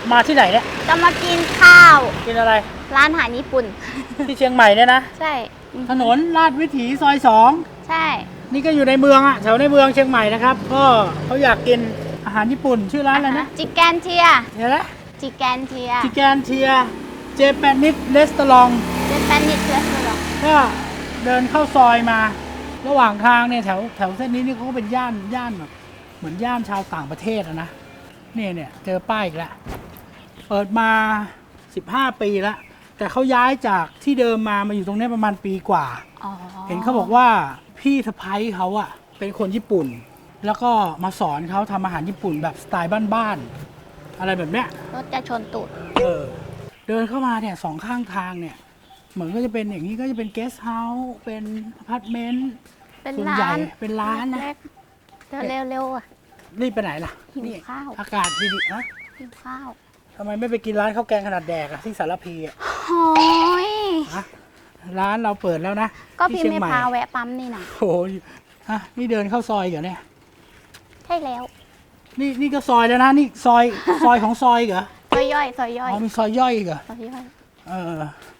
มาที่ไหนเนี่ยจะมากินข้าวกินอะไรร้านอาหารญี่ปุ่นที่เชียงใหม่เนี่ยนะใช่ถนนลาดวิถีซอย2 ใช่นี่ก็อยู่ในเมืองอะแถวในเมืองเชียงใหม่นะครับ ก็เขาอยากกินอาหารญี่ปุ่นชื่อร้านอะไรนะจิแกนเทียเดี๋ยวนะจิแกนเทียจิแกนเทียเจแปนิสเรสตอรองเจแปนิสเรสหรอก็เดินเข้าซอยมา ระหว่างทางเนี่ยแถวเส้นนี้นี่เขาก็เป็นย่านแบบเหมือนย่านชาวต่างประเทศอะนะเนี่ยเจอป้ายอีกแล้วเปิดมา15 ปีแล้วแต่เขาย้ายจากที่เดิมมาอยู่ตรงนี้ประมาณปีกว่าอ๋อเห็นเขาบอกว่าพี่สะพ้ยเขาอะเป็นคนญี่ปุ่น แล้วก็มาสอนเขาทำอาหารญี่ปุ่นแบบสไตล์บ้านๆอะไรแบบเนี้ยรถจะชนตูดเดินเข้ามาเนี่ย2 ข้างทางเนี่ยเหมือนก็จะเป็นอย่างนี้ก็จะเป็นเกสต์เฮาส์เป็นอพาร์ตเมนต์เป็นส่วนใหญ่ร้านเป็นร้านนะเล็กๆเร็วๆอ่ะรีบไปไหนล่ะหิวนี่ข้าวอากาศดีๆนะกินข้าวทำไมไม่ไปกินร้านข้าวแกงขนาดแดกอะที่สารพีอะโอ้ยฮะร้านเราเปิดแล้วนะก็ที่พี่เชียงไม่ใหม่พาแวะปั๊มนี่นะโอ้ยฮะนี่เดินเข้าซอยเหรอเนี่ยใช่แล้วนี่ก็ซอยแล้วนะนี่ซอยของซอยเหรอซอยย่อยซอยย่อยอ๋อมีซอยย่อยอีกเหรอซอยย่อยเออ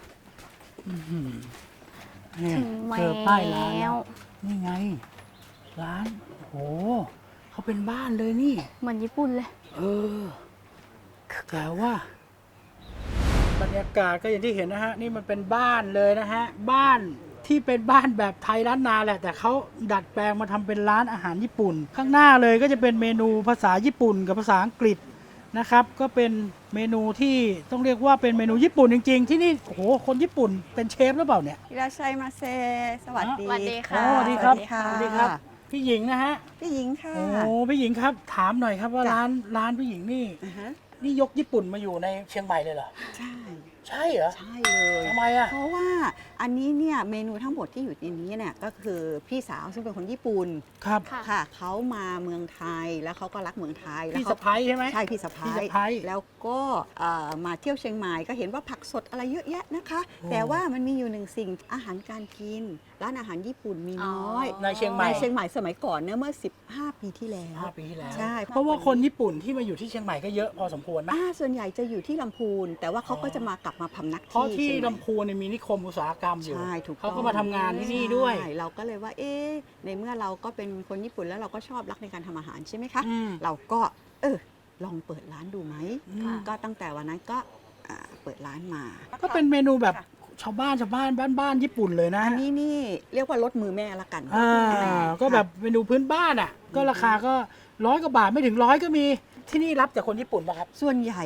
นี่ถึงเจอป้ายร้านแล้แล้ว วนี่ไง ร้านโอ้เขาเป็นบ้านเลยนี่เหมือนญี่ปุ่นเลยเออแต่ว่า บรรยากาศก็อย่างที่เห็นนะฮะ นี่มันเป็นบ้านเลยนะฮะ บ้านที่เป็นบ้านแบบไทยล้านนาแหละ แต่เขาดัดแปลงมาทำเป็นร้านอาหารญี่ปุ่น ข้างหน้าเลยก็จะเป็นเมนูภาษาญี่ปุ่นกับภาษาอังกฤษนะครับ ก็เป็นเมนูที่ต้องเรียกว่าเป็นเมนูญี่ปุ่นจริงๆ ที่นี่โอ้โหคนญี่ปุ่นเป็นเชฟหรือเปล่าเนี่ยอิราชัยมาเซสวัสดีสวัสดีโอ้ค่ะสวัสดีครับค่ะสวัสดีครับ พี่หญิงนะฮะพี่หญิงค่ะโอ้พี่หญิงครับ ถามหน่อยครับว่าจ้ะร้านพี่หญิงนี่อ่าฮะนี่ยกญี่ปุ่นมาอยู่ในเชียงใหม่เลยเหรอใช่ใช่เหรอใช่เลยทำไมอ่ะเพราะว่าอันนี้เนี่ยเมนูทั้งหมดที่อยู่ในนี้เนี่ยก็คือพี่สาวซึ่งเป็นคนญี่ปุ่นครับค่ะค่ะเขามาเมืองไทยแล้วเขาก็รักเมืองไทยแล้วพี่เขาสะพ้ายใช่ไหมใช่พี่สะพี่พ้าสะยพ้ายแล้วก็มาเที่ยวเชียงใหม่ก็เห็นว่าผักสดอะไรเยอะแยะนะคะโอ้แต่ว่ามันมีอยู่หนึ่งสิ่งอาหารการกิน ร้านอาหารญี่ปุ่นมีน้อยในเชียงใหม่ในเชียงใหม่สมัยก่อนเนี่ยเมื่อ 15 ปีที่แล้ว 5 ปีที่แล้วใช่เพราะว่าคนญี่ปุ่นที่มาอยู่ที่เชียงใหม่ก็เยอะพอสมควรไหมส่วนใหญ่จะอยู่ที่ลำพูน แต่ว่าเขาก็จะมากลับมาพำนักเพราะที่เชียงใหม่ลำพูนเนี่ยมีนิคมอุตสาหกรรมอยู่ใช่ถูกต้องเขาก็มาทำงานที่นี่ด้วยใช่เราก็เลยว่า ในเมื่อเราก็เป็นคนญี่ปุ่นแล้วเราก็ชอบรักในการทำอาหารใช่ไหมคะอืมเราก็ลองเปิดร้านดูไหมอืมก็ตั้งแต่วันนั้นก็เปิดร้านมาก็เป็นเมนูแบบชาวบ้านบ้านญี่ปุ่นเลยนะอันนี้นี่เรียกว่ารสมือแม่ละกันก็แบบเมนูพื้นบ้านอ่ะ ก็ราคาก็100 กว่าบาทไม่ถึง100ก็มีที่นี่รับแต่คนญี่ปุ่นป่ะครับส่วนใหญ่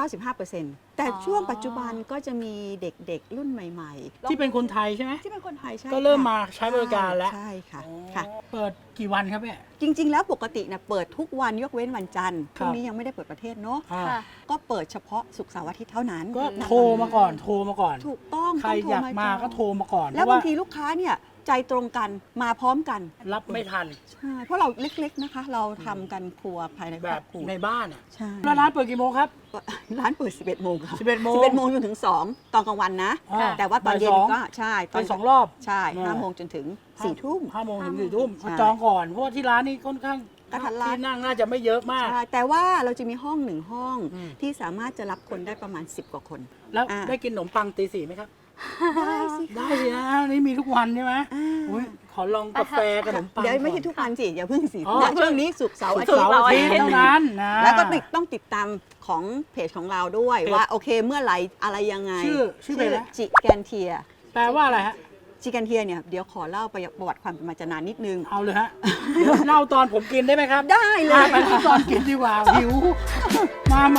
95%แต่ช่วงปัจจุบันก็จะมีเด็กๆ รุ่นใหม่ๆที่เป็นคนไทยใช่ไหมที่เป็นคนไทยใช่ก็เริ่มค่ะมาใช้บริการแล้วใช่ค่ะอ๋อค่ะเปิดกี่วันครับเนี่ยจริง ๆ แล้วปกติเนี่ยเปิดทุกวันยกเว้นวันจันทร์คพรับรุ่งนี้ยังไม่ได้เปิดประเทศเนาะอ่าค่ะก็เปิดเฉพาะศุกร์เสาร์อาทิตย์เท่านั้นก็นะคะโทรมาก่อนโทรมาก่อนถูกต้องใครต้งโทอยากมาจงก็โทรมาก่อนแล้วเพบาระงทีลูกค้าเนี่ยใจตรงกันมาพร้อมกันรับไม่ทันใช่เพราะเราเล็กๆนะคะ เราทำกันครัวภายในคแบรอบ บครัวในบ้านอ่ะใช่แล้วร้านเปิดกี่โมงครับร้านเปิด 11 โมงค่ะ 11 โมง 11 โมงจนถึง 2 ตอนกลางวันนะอ่าแต่ว่าตอนเย็นบ่ายสองก็ใช่ไป2 รอบใช่อ่า 5 โมงจนถึง 4 ทุ่ม 5 โมงถึง 4 ทุ่มใช่จองก่อน เพราะว่าที่ร้านนี้ค่อนข้างกระทัดรัดที่นั่งน่าจะไม่เยอะมากใช่แต่ว่าเราจะมีห้องหนึ่งห้องอืมที่สามารถจะรับคนได้ประมาณ 10 กว่าคนแล้วอ่าได้กินขนมปังตี 4ไหมครับได้สิได้สินะนี่มีทุกวันใช่ไหมอ่าอุ๊ยขอลองกาแฟขนมปังเดี๋ยวไม่ใช่ก่อนทุกวันสิอย่าเพิ่งสิอ๋อณช่วงนี้ศุกร์เสาร์อาศุทิกตร์ย์เสาร์อาทิตย์เท่านั้นนะแล้วก็ต้องติดตามของเพจของเราด้วยเพจว่าโอเคเมื่อไหร่อะไรยังไงชื่อเพจอะไรจิแกนเทียแปลว่าอะไรฮะจิแกนเทียเนี่ยเดี๋ยวขอเล่าประวัติความเป็นมาจะนานนิดนึงเอาเลยฮะ เดี๋ยวเล่าตอนผมกินได้ไหมครับได้เลมาย ไปที่ตอนกินดีกว่าหิว มา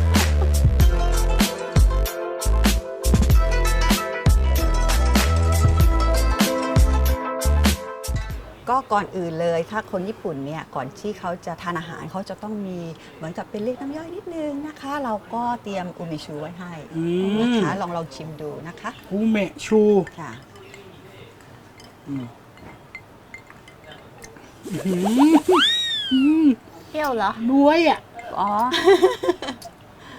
ก็ก่อนอื่นเลยถ้าคนญี่ปุ่นเนี่ยก่อนที่เขาจะทานอาหารเขาจะต้องมีเหมือนกับเป็นเรียกน้ำย่อยนิดนึงนะคะ เราก็เตรียมอูมิชูไว้ให้อืนะมคะลองชิมดูนะคะอูเมะชูค่ะอืมเปรี้ยวเหรอบ๊วยอ่ะอ๋อ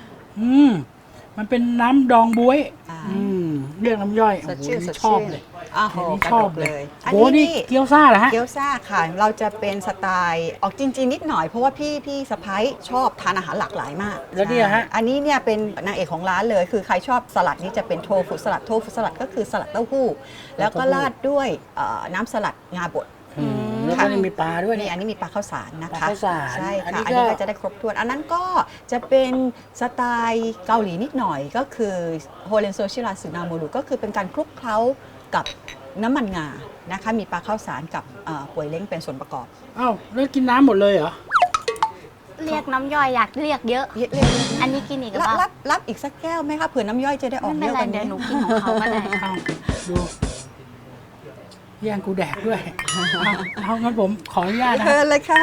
มันเป็นน้ำดองบ๊วยอ่าเรียกน้ำย่อยสดชื่นโอ้โหสดชอบชื่นเลยอ้าวโหนี่กระชอดบกเลเลย ยโอ้นี่เกี๊ยวซ่าเหรอฮะเกี๊ยวซ่าค่ะ เราจะเป็นสไตล์ออกจริงๆนิดหน่อยเพราะว่าพี่สะพ้ายชอบทานอาหารหลากหลายมากแล้วเนี่ยฮะใช่อันนี้เนี่ยเป็นนางเอกของร้านเลย คือใครชอบสลัดนี่จะเป็นโทฟุสลัด โทฟุสลัดก็คือสลัดเต้าหู้ แล้วก็ราดด้วยน้ำสลัดงาบดแล้วก็นี่มีปลาด้วยนี่เนี่ยอันนี้มีปลาข้าวสารนะปลาคะข้าวสารใช่อันค่ะนี้อันก็นี้ก็จะได้ครบถ้วน อันนั้นก็จะเป็นสไตล์เกาหลีนิดหน่อยก็คือโฮเรนโซชิราสึนาโมรุก็คือเป็นการคลุกเคล้ากับน้ำมันงานะคะ มีปลาข้าวสารกับป่วยเล้งเป็นส่วนประกอบอ้าวแล้วกินน้ำหมดเลยเหรอเรียกน้ำย่อยอยากเรียกเยอะ อันนี้กินอีกหรือเปล่ารับอีกสักแก้วไหมคะเผื่อน้ำย่อยจะได้ออกไม่เยเป็นอะไรกว่าเดี๋ยวนี้หนูกินของเขาก็ได้เอาดูแย่งกูแดกด้วยเอางั้นผมขออนุญาตนะเชิญเลยค่ะ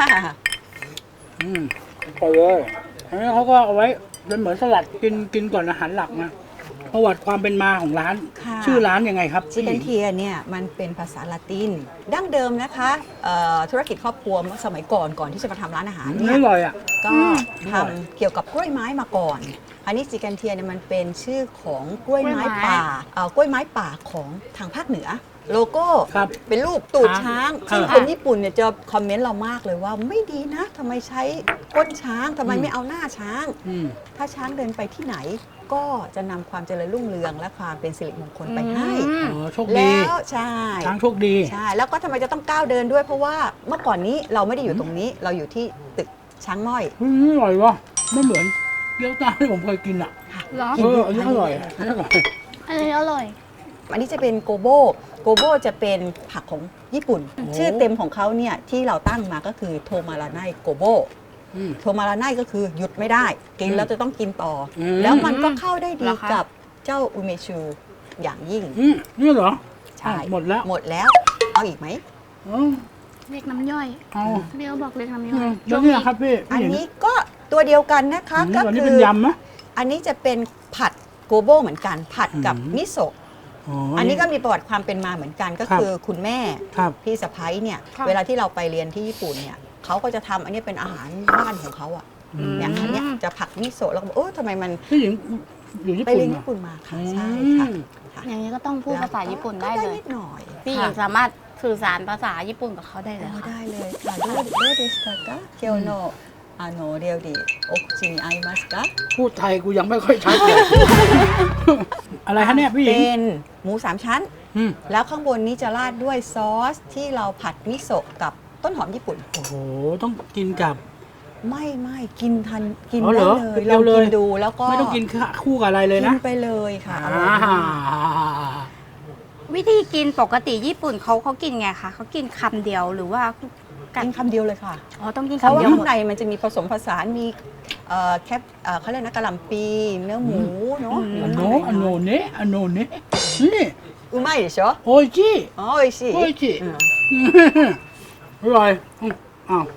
ไปเลยอันนี้เขาก็เอาไว้เป็นเหมือนสลัดกินก่อนอาหารหลักนะประวัติความเป็นมาของร้านค่ะชื่อร้านยังไงครับชิคเก้นเทียเนี่ยมันเป็นภาษาละติน ดั้งเดิมนะคะธุรกิจครอบครัวสมัยก่อนที่จะมาทำร้านอาหารไม่เนี่ยอร่อยอ่ะก็อร่อยทำเกี่ยวกับกล้วยไม้มาก่อน อันนี้จิกันเทียเนี่ยมันเป็นชื่อของกล้วยไม้ป่ากล้วยไม้ป่าของทางภาคเหนือ โลโก้ครับเป็นรูปตูดช้างช้างซึ่งคนญี่ปุ่นเนี่ยจะคอมเมนต์เรามากเลยว่าไม่ดีนะทำไมใช้ก้นช้างทำไมไม่เอาหน้าช้างอืมถ้าช้างเดินไปที่ไหน ก็จะนำความเจริญรุ่งเรืองและความเป็นสิริมงคลไปให้อ๋อโชคดีแล้วใช่ช้างโชคดีใช่แล้วก็ทำไมจะต้องก้าวเดินด้วยเพราะว่าเมื่อก่อนนี้เราไม่ได้อยู่ตรงนี้ เราอยู่ที่ตึกช้างม้อยอร่อยวะไม่เหมือนเกี๊ยวซ่าที่ผมเคยกินอ่ะเหรออันนี้อร่อยอันนี้อร่อยอันนี้อร่อยอันนี้จะเป็นโกโบโกโบจะเป็นผักของญี่ปุ่น ชื่อเต็มของเขาเนี่ยที่เราตั้งมาก็คือโทมาราไนโกโบอืมโทมาราไนก็คือหยุดไม่ได้ กินแล้วจะต้องกินต่ออมแล้วมันก็เข้าได้ดีเหรอคะกับเจ้าอุเมชูอย่างยิ่งนี่เหรอใช่อ้าวหมดแล้วหมดแล้ว เอาอีกไหมอ๋อเรียกน้ำย่อยเอาเรียกบอกเรียกน้ำย่อยแล้วเนี่ยครับพี่อันนี้ก็ตัวเดียวกันนะคะ ก็อันนี้คืเป็นอยำไหมอันนี้จะเป็นผัดโกโบเหมือนกัน ผัดกับอืมมิโซะอ๋ออัอันนี้ก็มีประวัติความเป็นมาเหมือนกันก็ครับคือคุณแม่ครับพี่สะพ้ายเนี่ยค่ะเวลาที่เราไปเรียนที่ญี่ปุ่นเนี่ยเขาก็จะทำอันนี้เป็นอาหารบ้านของเขาอ่ะเนี่ยอันเนี้ยจะผัดมิโซะแล้วก็บอกโอ้ทำไมมันพี่หญิงอยู่ญี่ไปปุ่นเรียนเหรอญี่ปุ่นมาค่ะอืมใช่ค่ะค่ะอย่างนี้ก็ต้องพูดภาษาญี่ปุ่นได้ก็เลยนิดหน่อยพี่หญิงค่ะสามารถสื่อสารภาษาญี่ปุ่นกับเขาได้เลยโอ้ค่ะได้เลยค่ะどうですか今日の料理お口に合いますかพูดไทยกูยังไม่ค่อยชัดเลย อะไรฮะเนี่ยพี่หญิงเป็นหมูสามชั้นอืมแล้วข้างบนนี้จะราดด้วยซอสที่เราผัดมิโซะกับต้นหอมญี่ปุ่นโอ้โหต้องกินกับไม่กินทันกินอ๋อเหรได้อเลยเร็ลอวงเลกิยนดูแล้วก็ไม่ต้องกินคู่กับอะไรเลยกินะนไปเลยค่ะอร่อ่าอยมากวิธีกินปกติญี่ปุ่นเขากินไงคะเขากินคำเดียวหรือว่ากัดกินคำเดียวเลยค่ะอ๋อต้องกินเพราะคำว่าเดียวหมข้างดในมันจะมีผสมผสานมีแคปเขาเรียกนะกะหล่ำปีเนื้อหมูเนาะอันโนอันโนเนะอันโนเนะนี่อุมาでしょโอจิอ๋อโอชิโอจิ อร่อยอ้าว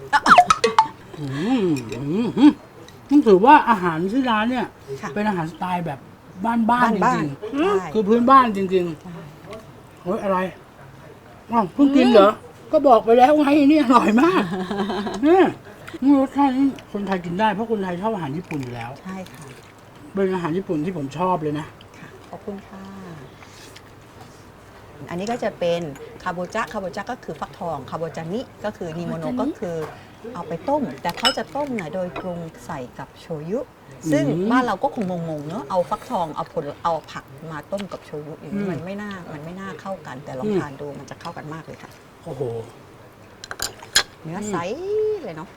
ต้องถือว่าอาหารที่ร้านเนี่ยค่ะเป็นอาหารสไตล์แบบบ้านๆบ้านจบ้ารินงใช่ๆคือพื้นบ้านจริงๆเฮ้ยอะไรอ้าวเพิ่งกินเหรอ ก็บอกไปแล้วไงนี่อร่อยมากเนี่ยรสชาตินี่คนไทยกินได้เพราะคนไทยชอบอาหารญี่ปุ่นอยู่แล้วใช่ค่ะเป็นอาหารญี่ปุ่นที่ผมชอบเลยนะค่ะขอบคุณค่ะ อันนี้ก็จะเป็นคาโบจะคาโบจะก็คือฟักทองคาโบจานิก็คือนิโมโนก็คือเอาไปต้ม แต่เขาจะต้มเนี่ยโดยปรุงใส่กับโชยุ ซึ่งอืมบ้านเราก็คงงงๆเนอะเอาฟักทองเอาผักมาต้มกับโชยุอย่างนี้อืมมันไม่น่าเข้ากัน แต่ลองอืมทานดูมันจะเข้ากันมากเลยค่ะโอ้โหเนื้อใสเลยเนาะ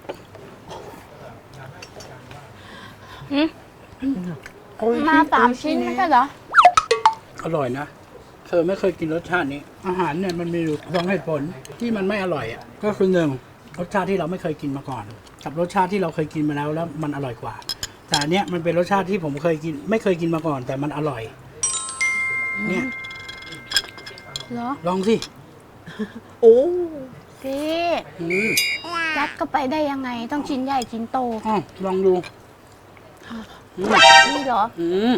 มา3 ชิ้นไม่ใช่เหรออร่อยนะ เธอไม่เคยกินรสชาตินี้ อาหารเนี่ยมันมีอยู่สองเหตุผลที่มันไม่อร่อยอ่ะ ก็คือหนึ่งรสชาติที่เราไม่เคยกินมาก่อน กับรสชาติที่เราเคยกินมาแล้วมันอร่อยกว่า แต่อันเนี้ยมันเป็นรสชาติที่ผมเคยกิน ไม่เคยกินมาก่อน แต่มันอร่อย เนี่ยเหรอลองสิโอ้พี่อืมยัดเข้าไปได้ยังไง ต้องชิ้นใหญ่ชิ้นโตอ้าวลองดูอืมนี่เหรออืม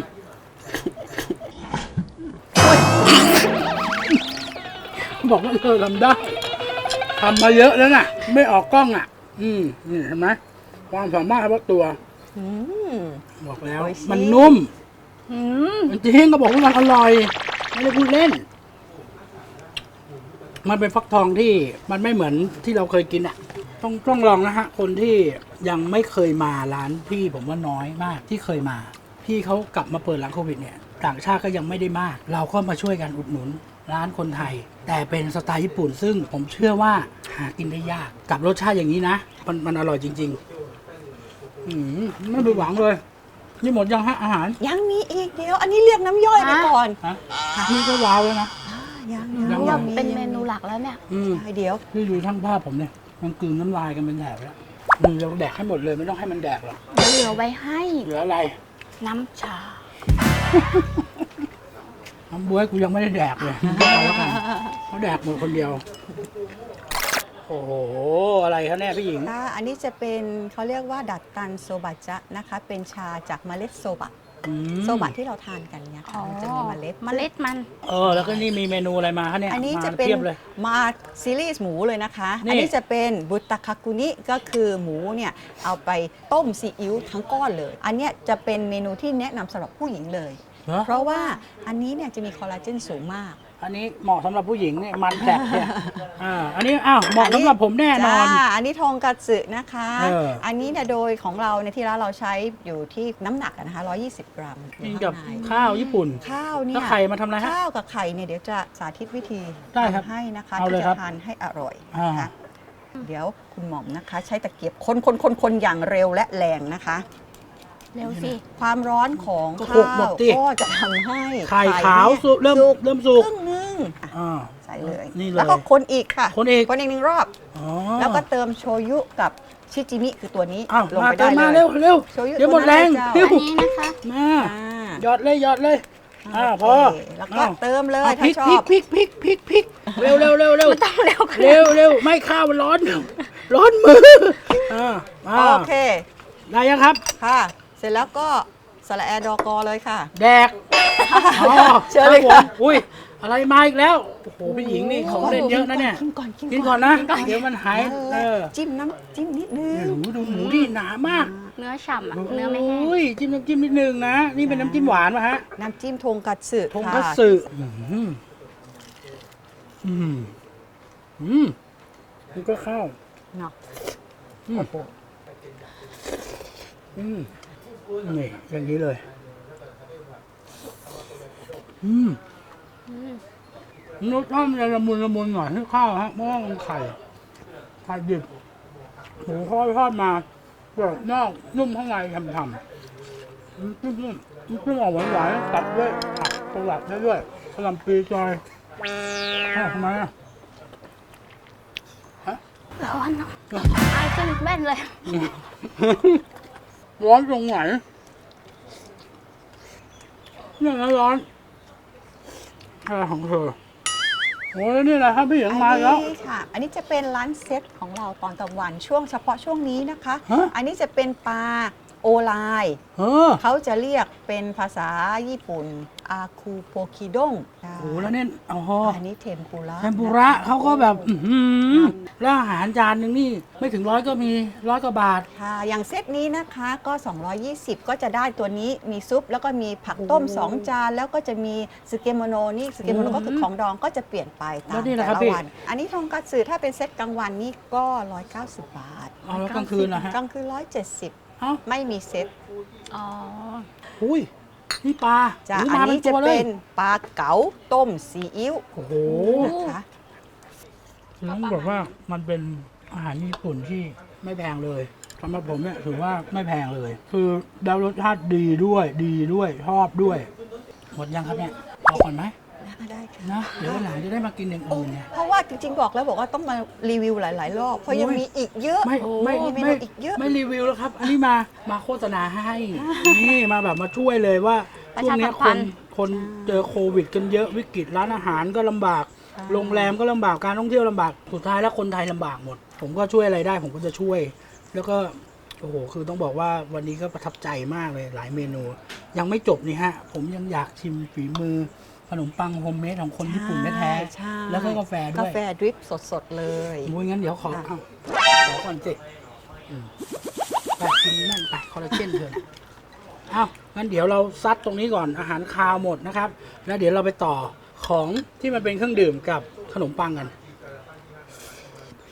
บอกว่าเธอทำได้ทำมาเยอะแล้วน่ะ ไม่ออกกล้องอ่ะ นี่เห็นไหมความสามารถเฉพาะตัวอืมบอกแล้วโอ้ยสิมันนุ่มอืมจริงๆก็บอกว่ามันอร่อย ไม่ได้พูดเล่นมันเป็นฟักทองที่มันไม่เหมือนที่เราเคยกินอ่ะต้องลองนะฮะคนที่ยังไม่เคยมาร้านพี่ผมว่าน้อยมากที่เคยมาพี่เขากลับมาเปิดหลังโควิดเนี่ยต่างชาติก็ยังไม่ได้มาก เราก็มาช่วยกันอุดหนุนร้านคนไทย แต่เป็นสไตล์ญี่ปุ่น ซึ่งผมเชื่อว่าหากินได้ยากกับรสชาติอย่างนี้นะมันอร่อยจริงๆไม่ไปหวังเลยนี่หมดยังฮะอาหารยังมีอีกเดียว อันนี้เรียกน้ำย่อยไปก่อนฮะนี่ก็ว้าวแล้วนะยังยังเป็นเมนูหลักแล้วเนี่ยใช่เดี๋ยวที่ดูช่างภาพผมเนี่ยมันกลืนน้ำลายกันเป็นแถบแล้วเราแดกให้หมดเลยไม่ต้องให้มันแดกหรอกเดี๋ยวเหลือไว้ให้เหลืออะไรน้ำชาน้ำบ๊วยกูยังไม่ได้แดกเลยเอาแล้วกันเขาแดกหมดคนเดียว โอ้โห อะไรครับเนี่ยพี่หญิงค่ะอันนี้จะเป็นเขาเรียกว่าดัดตันโซบะจะนะคะ เป็นชาจากเมล็ดโซบะ โซบะที่เราทานกันเนี่ยอ๋อค่ะมันจะมีเมล็ดเมล็ดมันแล้วก็นี่มีเมนูอะไรมาคะเนี่ยอันนี้มาจะเป็นทียบเลยมาซีรีส์หมูเลยนะคะนี่อันนี้จะเป็นบุตะคากุนิก็คือหมูเนี่ยเอาไปต้มซีอิ๊วทั้งก้อนเลย อันเนี้ยจะเป็นเมนูที่แนะนำสำหรับผู้หญิงเลยเหรอเพราะว่าอันนี้เนี่ยจะมีคอลลาเจนสูงมากอันนี้เหมาะสำหรับผู้หญิงเนี่ยมันแผลบเนี่ยอันนี้เหมาะสำหรับผมแน่นอนจ้าอันนี้ทองกัตสึนะคะอันนี้เนี่ยโดยของเราในยที่ร้านเราใช้อยู่ที่น้ำหนักอะนะคะ120 กรัมกินกับอยู่ข้างในข้าวญี่ปุ่นข้าวเนี่แล้วยไข่มาทำอะไรฮะข้าวกับไข่เนี่ยเดี๋ยวจะสาธิตวิธีได้ครับทำให้นะคะเอาเลยที่ครัจะบทานให้อร่อยอ่านะคะเดี๋ยวคุณหม่อมนะคะ ใช้ตะเกียบคนอย่างเร็วและแรงนะคะเร็วสิความร้อนของก็ข้าหกหมวดสิก็จะทำให้ไข่ขาวเนี่ยสุกเริ่มสุกครึ่งนึงอ่ะอ่าใส่เลยนี่เลยแล้วก็คนอีกค่ะคนอีกคนอีกหนึ่งรอบอ๋อแล้วก็เติมโชยุกับชิจิมิคือตัวนี้อ้าวลงมาไปเติได้มเลมาย เร็วโชยุเดี๋ยวหมดแรงตัวนั้นเร็วอันนี้นะคะมาอ่าหยอดเลยพอโเคแล้วก็เติมเลยพถ้าริกชอพริกบพริกเร็วไม่ต้องเร็วขนาดนั้นเร็วไม่ข้าวมันร้อนมือมาโอเคได้ยังครับค่ะ เสร็จแล้วก็สละแอดอกอเลยค่ะแดกเชิญเลยรับค่ะผมอุ้ยอะไรมาอีกแล้วโอ้โหพี่หญิงนี่ของเล่นเยอะนะเนี่ยกินก่อนนะเดี๋ยวมันหายจิ้มน้ำจิ้มนิดนึงดูหมูดิหนามากเนื้อฉ่ำอะเนื้อไม่แห้งโอ้ยจิ้มน้ำจิ้มนิดนึงนะนี่เป็นน้ำจิ้มหวานป่ะฮะน้ำจิ้มทงกัตสึทงค่ะคัตสึนี่ก็ข้าวเนาะนี่อย่างนี้เลยรสชาติมันจะละมุนหน่อยที่ข้าวฮะเพราะว่ามันไข่ดิบหมูทอดมาแบบนอกนุ่มข้างในฉ่ำๆนุ่มออกหวานๆตัดด้วยผักสลัดได้ด้วยกะหล่ำปลีซอยทำไมอ่ะร้อนเนาะไอขึ้นแว่นเลยร้อนตรงไหนเนี่ยนะร้อนอะไรของเธอโอ้ยนี่แหละครับพี่หญิงมาแล้วอันนี้ค่ะ อันนี้จะเป็นร้านเซ็ตของเราตอนกลางวันช่วงเฉพาะช่วงนี้นะคะฮะอันนี้จะเป็นปลาโอไลน์ เขาจะเรียกเป็นภาษาญี่ปุ่นอาคูโปคิดงโอ้แล้วเนี่ยอันนี้เทมปุระเทมปุระเขาก็แบบแล้วอาหารจานหนึ่งนี่ไม่ถึง100ก็มี100 กว่าบาทค่ะ อย่างเซตนี้นะคะก็ 220 ก็จะได้ตัวนี้มีซุป แล้วก็มีผักต้ม 2 จาน แล้วก็จะมีสเกโมโนนี่สเกโมโนก็คือของดองก็จะเปลี่ยนไปตาแล้มวนี่แหละแต่ครับละพี่วัน อันนี้ทงกัตสึถ้าเป็นเซตกลางวันนี่ก็ 190 บาทเอาแล้วกลางคืนนะฮะกลางคืน170 เอ้าไม่มีเซตอ๋ออุ้ยนี่ปลาจ้ะโยอันมานี้จะตัวลเป็ยนปลาเก๋าต้มซีอิ๊วโอ้โหนะคะต้องบอกว่ามันเป็นอาหารญี่ปุ่นที่ไม่แพงเลยสำหรับผมเนี่ยถือว่าไม่แพงเลย คือได้รสชาติดีด้วยชอบด้วย หมดยังครับเนี่ยพอก่อนไหมได้ค่ะนะเดี๋ยววันหลังจะได้มากินอย่างอื่นเนี่ยเพราะว่าจริงๆบอกว่าต้องมารีวิวหลายๆรอบ เพราะยังมีอีกเยอะ มีเมนูอีกเยอะไม่รีวิวแล้วครับ อันนี้มาโฆษณาให้นี่มาแบบมาช่วยเลยว่าประช่วชางเนี้ยสัมพันธ์คนเจอโควิดกันเยอะวิกฤตร้านอาหารก็ลำบาก โรงแรมก็ลำบากการท่องเที่ยวลำบากสุดท้ายแล้วคนไทยลำบากหมด ผมก็ช่วยอะไรได้ผมก็จะช่วย แล้วก็โอ้โหคือต้องบอกว่าวันนี้ก็ประทับใจมากเลยหลายเมนู ยังไม่จบนี่ฮะ ผมยังอยากชิมฝีมือขนมปังโฮมเมดของคนญี่ปุ่นแท้ใช่ๆแล้วก็กาแฟด้กาวยแฟดริปสดๆเลยมุ้ยงั้นเดี๋ยวขอค่ะก่อนสิไปกินนั่นไปคอลลาเจนเถอะนะอ้าวงั้นเดี๋ยวเราซัดตรงนี้ก่อนอาหารคาวหมดนะครับ แล้วเดี๋ยวเราไปต่อของที่มันเป็นเครื่องดื่มกับขนมปังกัน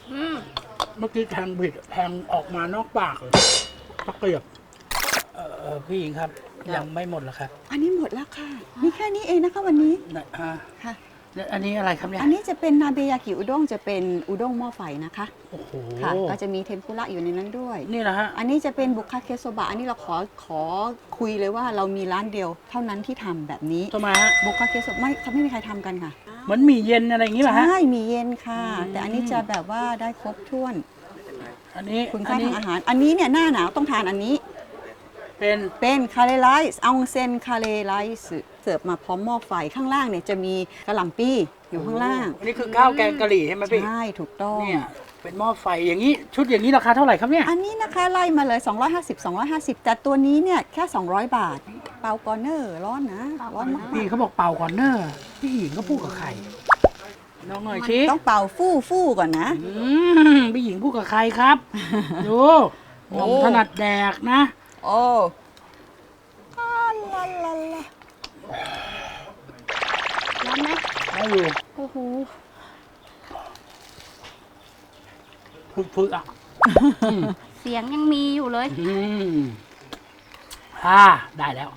เมื่อกี้แทงบิดแทงออกมานอกปากเลยตะเกียบพี่หญิงครับ ยังไม่หมดเหรอครับอันนี้หมดแล้วค่ะมีแค่นี้เองนะคะวันนี้ไหนฮะค่ะแล้วอันนี้อะไรครับเนี่ยอันนี้จะเป็นนาเบยากิอุด้งจะเป็นอุด้งหม้อไฟนะคะโอ้โหค่ะก็จะมีเทมปุระอยู่ในนั้นด้วยนี่นะฮะอันนี้จะเป็นบุคคาเคโซบะอันนี้เราขอคุยเลยว่าเรามีร้านเดียวเท่านั้นที่ทำแบบนี้ทำไมฮะบุคคาเคโซบะไม่มีใครทำกันค่ะเหมือนหมี่เย็นอะไรอย่างงี้ป่ะฮะใช่มีเย็นค่ะอืมแต่อันนี้จะแบบว่าได้ครบถ้วนอันนี้คุณอัค่านนี้ทางอาหาร อันนี้เนี่ยหน้าหนาวต้องทานอันนี้เป็นเป็นคาเรไลซ์อองเซนคาเรไลซ์เสิร์ฟมาพร้อมหม้อไฟข้างล่างเนี่ยจะมีกระหล่ำปีอยู่ข้างล่างอันนี้คือข้าวแกงกะหรี่ใช่ไหมพี่ใช่ถูกต้องเนี่ยเป็นหม้อไฟอย่างนี้ชุดอย่างนี้ราคาเท่าไหร่ครับเนี่ยอันนี้นะคะไล่มาเลย 250 แต่ตัวนี้เนี่ยแค่ 200 บาท เปากอร์เนอร์ร้อนนะ ร้อนมากพี่เขาบอกเป่าก่อนเนอะพี่หญิงก็พูดกับใครน้องหน่อยชี้ต้องเป่าฟู่ก่อนนะพี่หญิงพูดกับใครครับดูหม่อมถนัดแดกนะโอ้ลาลาลาร้อนไหมได้อยู่โอ้โหพึกๆอ่ะเสียงยังมีอยู่เลยได้แล้ว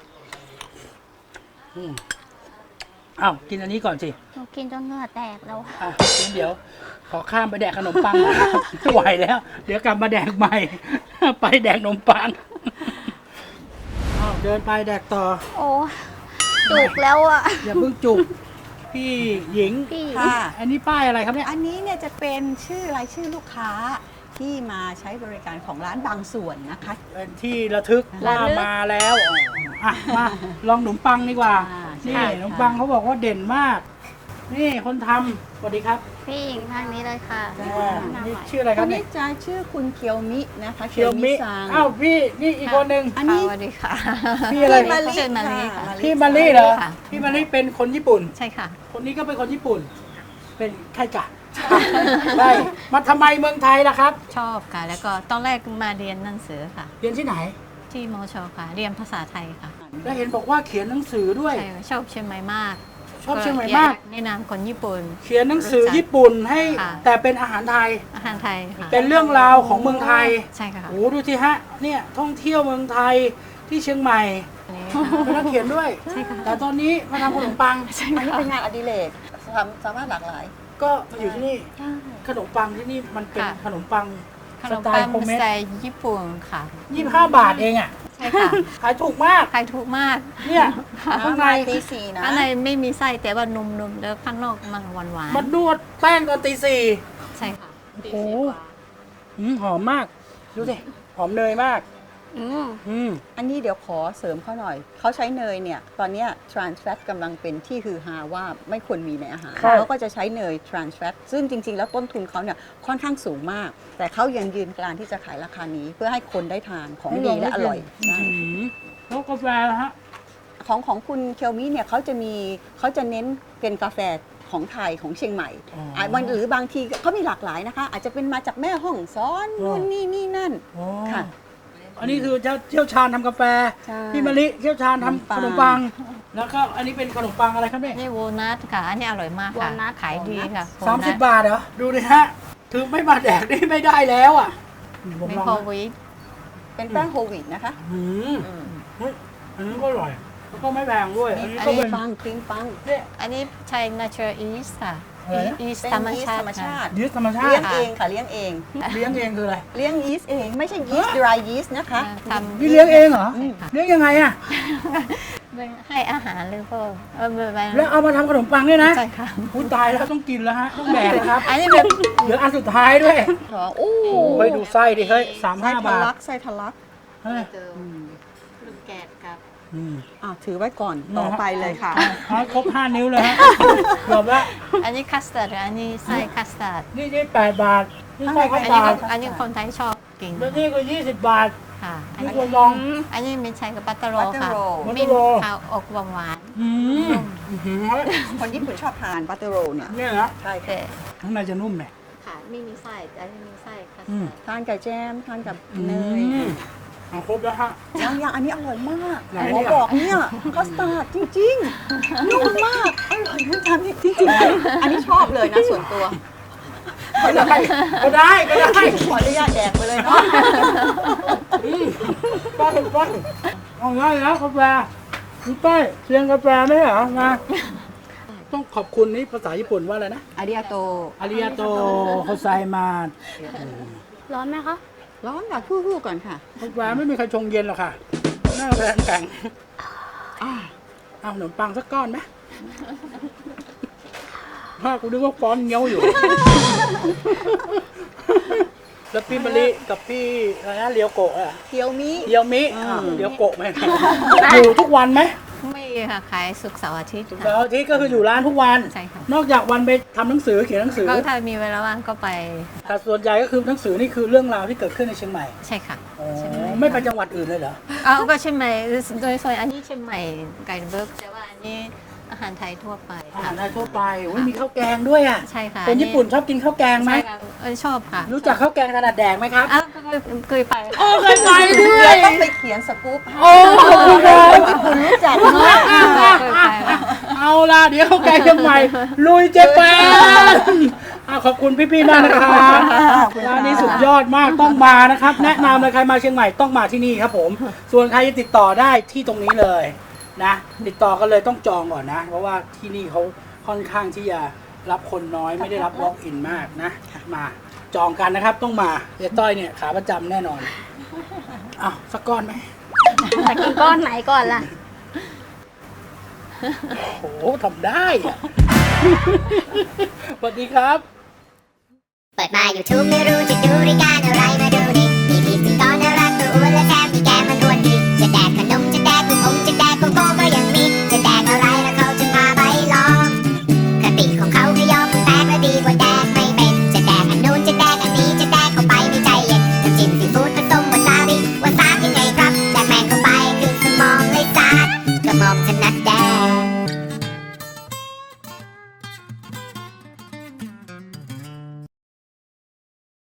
อ้าวกินอันนี้ก่อนสิหนูกินจนเหงื่อแตกแล้วอ่ะงั้นเดี๋ยวขอข้ามไปแดกขนมปังไม่ไหวแล้ว เดี๋ยวกลับมาแดกใหม่ ไปแดกขนมปังอ้าวเดินไปแดกต่อโอ้จุกแล้วอ่ะอย่าเพิ่งจุก พี่หญิงพี่ค่ะอันนี้ป้ายอะไรครับเนี่ยอันนี้เนี่ยจะเป็นรายชื่อลูกค้าที่มาใช้บริการของร้านบางส่วนนะคะเป็นที่ระทึกว่ามาแล้วอ่ะมาลองขนมปังดีกว่า นี่ขนมปังเขาบอกว่าเด่นมาก นี่คนทำสวัสดีครับพี่หญิงทางนี้เลยค่ะนี่ชื่ออะไรคครันบนี้เนี่ยจะชื่อคุณเคียวมินะคะเคียวมิซังอ้าวพี่นี่อีกคนหนึ่งอันนี้สวัสดีค่ะพี่อะไรมาลิชื่อมาลิค่ะพี่มาลี่เหรอค่ะพี่มาลี่เป็นคนญี่ปุ่นใช่ค่ะคนนี้ก็เป็นคนญี่ปุ่น เป็นใช่จ้ะใช่มาทำไมเมืองไทยล่ะครับชอบค่ะ แล้วก็ตอนแรกมาเรียนหนังสือค่ะเรียนที่ไหนที่มชค่ะ เรียนภาษาไทยค่ะแล้วเห็นบอกว่าเขียนหนังสือด้วยใช่ชอบเชียงใหม่มากชอบเชียงใหม่มากแนะนำคนญี่ปุ่นเขียนหนังสือญี่ปุ่นให้ค่ะแต่เป็นอาหารไทยอาหารไทยค่ะเป็นเรื่องราวของเมืองไทยใช่ค่ะโอ้ดูสิฮะ เนี่ยท่องเที่ยวเมืองไทยที่เชียงใหม่อันนี้เป็นนักเขียนด้วยใช่ค่ะแต่ตอนนี้มาทำขนมปังอันนี้เป็นงานอดิเรกสามารถหลากหลายก็มาอยู่ที่นี่ ขนมปังที่นี่มันเป็นค่ะขนมปังขสนมไตปังล์โฮมเมสดไตล์ญี่ปุ่นค่ะ 25 บาทเองอ่ะใช่ค่ะขายถูกมากขายถูกมากเนี่ยข้างในตีสี่นะข้างในไม่มีไส้แต่ว่านุ่มๆแล้วข้างนอกมันหวานมันนวดแป้งตอนตีสี่ๆใช่ค่ะโอ้โหหอมมาก ดูสิ หอมเนยมากอันนี้เดี๋ยวขอเสริมเขาหน่อย เขาใช้เนยเนี่ย ตอนเนี้ย trans fat กำลังเป็นที่ฮือฮาว่าไม่ควรมีในอาหารครับเขาก็จะใช้เนย trans fat ซึ่งจริง ๆ แล้วต้นทุนเขาเนี่ยค่อนข้างสูงมาก แต่เขายังยืนกรานที่จะขายราคานี้ เพื่อให้คนได้ทานของดีและอร่อยใช่แล้วกาแฟนะฮะของคุณเคียวมิเนี่ยเขาจะเน้นเป็นกาแฟของไทยของเชียงใหม่อ๋ออ่หรือบางทีเขามีหลากหลายนะคะ อาจจะเป็นมาจากแม่ห้องซ้อนอ๋อนู่นนี่นั่นอ๋อค่ะอันนี้คือเชี่ยวชาญทำกาแฟใช่พี่มะลิเชี่ยวชาญทำขนมปัง แล้วก็อันนี้เป็นขนมปังอะไรครับเนี่ยนี่วอลนัทค่ะ อันนี้อร่อยมากค่ะ walnut ขายดีค่ะ 30 บาทเหรอ ดูดิฮะ ถือไม่มาแดกนี่ไม่ได้แล้วอ่ะผมมีลองโคนะวิดเป็นแป้งโฮลวีตนะคะอืมเฮ้ยอันนี้ก็อร่อย แล้วก็ไม่แพงด้วย อันนี้คก็รีเป็มนปังครีมปังเนี่ยอันนี้ใช้ natural yeast ค่ะอะไรนะ yeast เป็นธรรมยีสชาต์ธติรรมชาติยีสต์ธรรมชาเลี้ยติงเองค่ะเลี้ยงเองเลี้ยงเองคืออะไรเลี้ยงยีสต์เองไม่ใช่ยีสต์ dry yeast นะคะทำนี่เลี้ยงเองเหรอใช่ค่ะเลี้ยงยังไงอ่ะให้อาหารหรือเปล่าแบบแล้วเอามาทำขนมปังเนี่ยนะใช่ค่ะพูดตายแล้วต้องกินแล้วฮะ ต้องแดกแล้วครับอันนี้แบบเหลืออันสุดท้ายด้วยโอ้เฮ้ยดูไส้ดิเฮ้ยไส้ 35 ทะบาทลักไส้ทะลักเฮ้ยลูกแกดครับอืมถือไว้ก่อนต่อไปเลยค่ะเอาให้ครบ 5 นิ้วเลยฮะเกือบละอันนี้คัสตาร์ดอันนี้ไส้คัสตาร์ดนี่8 บาท นี่ไส้อัข้านวนี้บาทอันนี้คนไทยชอบกินแล้วนี่ก็20 บาทค่ะนี่ควรลองอันนี้ไม่ใช่กับบัตเตอร์โรบัตเตอค่ะร์โรบัตเตมีอร์โรข้าวอกหวานอืมอื้อหือคนญี่ปุ่นชอบทานบัตเตอร์โรเนี่ยเนี่ยนะใช่ๆค่ะแต่ข้างในจะนุ่มหน่อยค่ะไม่มีไส้แต่อันนี้มีไส้คัสอืมตาร์ดทานกับแจมทานกับอืเนยมเอาครบแล้วฮะอย่างอันนี้อร่อยมากไหนหมเนี่อย บอกเนี่ยคัสตาร์ดจริงๆนุ่มมากอร่อยทานจริงๆอันนี้ชอบเลยนะส่วนตัวก็ได้ก็ได้ก็ได้ขออนุญาตแดกไปเลยเนาะป้ายป้ายเอาง่ายแล้วกาแฟคุณป้ายเรียนกาแฟไหมเหรอมาต้องขอบคุณนี่ภาษาญี่ปุ่นว่าอะไรนะอาริยาโตอาริยาโตโฮไซมาร้อนไหมคะร้อนแบบพู่ๆก่อนค่ะกาแฟไม่มีใครชงเย็นหรอกค่ะหน้าแฟนแข็งเอาขนมปังสักก้อนไหมพ่อกูนึกว่าฟ้อนเงี้ยวอยู่ แล้วพี่มะลิกับพี่อะไรนะเลียวโกะอะเกียวมิเลียวมิเลียวโกะไหมอยู่ทุกวันไหมไม่ค่ะขายศุกร์เสาร์อาทิตย์เสาค่ะร์อาทิตย์ก็คืออยู่ร้านทุกวันใช่ค่ะนอกจากวันไปทำหนังสือเขียนหนังสือก็ถ้ามีเวลาว่างก็ไปแต่ส่วนใหญ่ก็คือหนังสือนี่คือเรื่องราวที่เกิดขึ้นในเชียงใหม่ใช่ค่ะอ๋อเชียงใหม่ไม่ไปจังหวัดอื่นเลยเหรอเอาก็เชียงใหม่โดยส่วนอันนี้เชียงใหม่ไก่เบิร์กแต่ว่าอันนี้อาหารไทยทั่วไปอาหาค่ะรไทยทั่วไปอุ๊ยมีข้าวแกงด้วยอ่ะใช่ค่ะคนญี่ปุ่นชอบกินข้าวแกงไหมใช่ค่ะชอบค่ะรู้จักข้าวแกงถนัดแดกไหมครับอ้าวก็เคยไปค่ะโอ้เคยไปด้วเดี๋ยยวต้องไปเขียนสกู๊ปให้โอ้ขอบคุณครับคุณรู้จักเนาะเอาล่ะเดี๋ยวข้าวแกงเชียงใหม่ลุยเจแปนขอบคุณพี่ๆมากนะครับร้านนี้สุดยอดมากต้องมานะครับ แนะนำเลยใครมาเชียงใหม่ต้องมาที่นี่ครับผม ส่วนใครจะติดต่อได้ที่ตรงนี้เลยนะติดต่อกันเลยต้องจองก่อนนะ เพราะว่าที่นี่เขาค่อนข้างที่จะรับคนน้อยไม่ได้รับ walk in มากนะมาจองกันนะครับต้องมาเจ๊ต้อยเนี่ยขาประจำแน่นอนอ้าวสักก้อนไหมจะกินก้อนไหนก่อนล่ะโอ้โหทำได้อะ สวัสดีครับเปิดมา YouTube ไม่รู้จะดูรายการอะไรมาดูนี่